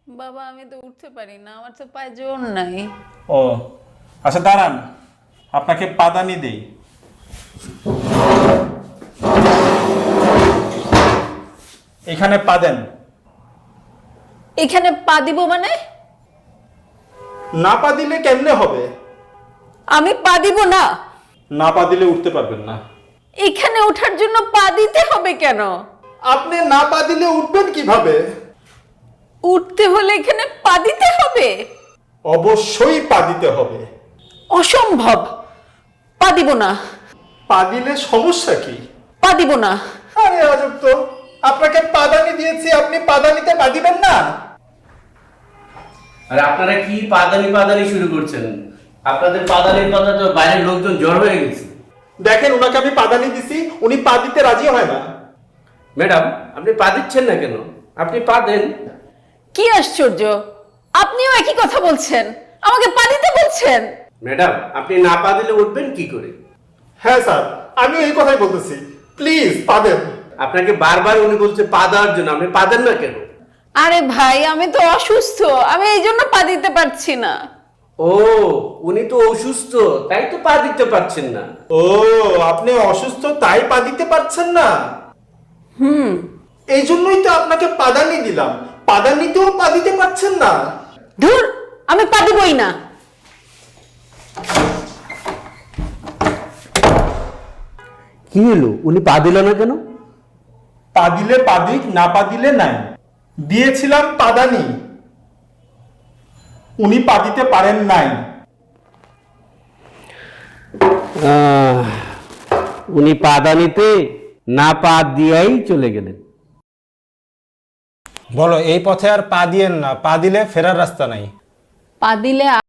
বাবা আমি তো উঠতে পারি না, আমার তো পায়ে জোর নাই। ও আচ্ছা দাঁড়ান, আপনাকে পাদানি দেই। এখানে পা দেন। এখানে পা দিব মানে? না পা দিলে কেমনে হবে? আমি পা দিব না। না পা দিলে উঠতে পারবেন না। এখানে ওঠার জন্য পা দিতে হবে কেন? আপনি না পা দিলে উঠবেন কিভাবে? উঠতে হলে এখানে পা দিতে হবে? অবশ্যই পা দিতে হবে। অসম্ভব, পা দিব না। পা দিলে সমস্যা কি? পা দিব না। আরে আজব তো, আপনাকে পাদানি দিয়েছি, আপনি পাদানিতে পা দিবেন না? আর আপনারা কি পাদানি পাদানি শুরু করছেন? আপনাদের পাদানির কথা তো বাইরের লোকজন জড় হয়ে গেছে। দেখেন ওনাকে আমি পাদানি দিছি, উনি পা দিতে রাজি হয় না। ম্যাডাম, আপনি পা দিচ্ছেন না কেন? আপনি পা দেন। কি আশ্চর্য, আপনিও একই কথা বলছেন, আমাকে পা দিতে বলছেন। ম্যাডাম, আপনি না পা দিলে উঠবেন কি করে? হ্যাঁ স্যার, আমি এই কথাই বলতেছি, প্লিজ পা দেন। আপনাকে বারবার উনি বলছে পা দেওয়ার জন্য, আপনি পা দেন না কেন? আরে ভাই আমি তো অসুস্থ, আমি এই জন্য পা দিতে পারছি না। ও, উনি তো অসুস্থ, তাই তো পা দিতে পারছেন না। ও, আপনি অসুস্থ তাই পা দিতে পারছেন না? এই জন্যই তো আপনাকে পাদানি দিলাম, পাদানিতেও পা দিতে পারছেন না। ধুর, আমি পা দিবই না। কি হলো, উনি পা দিল না কেন? পা দিলে পা দিক, না পা দিলে নাই। দিয়েছিলাম পাদানি, উনি পা দিতে পারেন নাই। উনি পাদানিতে না পা দিয়েই চলে গেলেন। বলো, এই পথে আর পা দিয়েন না, পা দিলে ফেরার রাস্তা নাই। পা দিলে